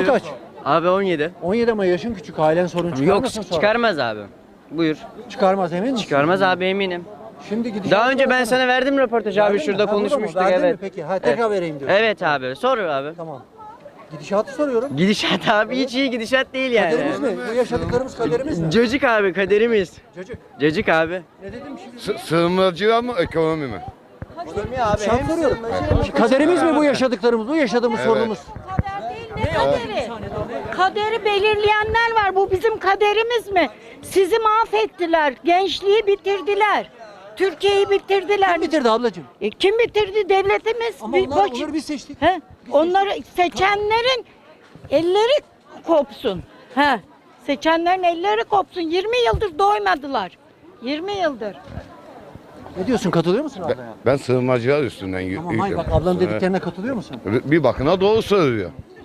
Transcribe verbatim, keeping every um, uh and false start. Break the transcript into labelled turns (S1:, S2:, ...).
S1: kaç?
S2: Abi on yedi.
S1: on yedi ama yaşın küçük. Ailen sorun
S2: Yok
S1: çıkarmasın sonra.
S2: çıkarmaz abi. Buyur.
S1: Çıkarmaz emin misin?
S2: Çıkarmaz abi eminim.
S1: Şimdi gidişat.
S2: Daha önce ben sana verdim röportajı abi,
S1: Verdin mi?
S2: şurada
S1: Ha, burada mı?
S2: konuşmuştuk,
S1: Verdin mi
S2: evet.
S1: peki? Ha, tekrar vereyim diyorsun.
S2: Evet abi, sor abi.
S1: Tamam. Gidişatı soruyorum.
S2: Gidişat abi hiç iyi gidişat değil yani.
S1: Kaderimiz mi? Bu yaşadıklarımız kaderimiz mi?
S2: Cacık abi, kaderimiz.
S1: Çocuk.
S2: Cacık abi.
S1: Ne dedim şimdi?
S3: Sı- Sığınmacı mı, ekonomi mi?
S1: Şart soruyorum. Kaderimiz mi bu yaşadıklarımız? Bu yaşadığımız
S3: Evet.
S1: sorunumuz.
S4: Kader değil, ne kaderi? Kaderi belirleyenler var. Bu bizim kaderimiz mi? Sizi mahvettiler. Gençliği bitirdiler. Türkiye'yi bitirdiler.
S1: Kim bitirdi ablacığım?
S4: E, kim bitirdi? Devletimiz.
S1: Ama
S4: Bir
S1: onlar,
S4: baş-
S1: onları biz seçtik.
S4: He? Onları seçenlerin elleri kopsun. He. Seçenlerin elleri kopsun. yirmi yıldır doymadılar. yirmi yıldır.
S1: Ne diyorsun? Katılıyor musun
S3: Ben,
S1: ablaya?
S3: ben sığınmacılar üstünden y-
S1: Tamam hayır bak
S3: yürüyorum.
S1: ablanın dediklerine katılıyor musun?
S3: Bir bakına doğru söylüyor.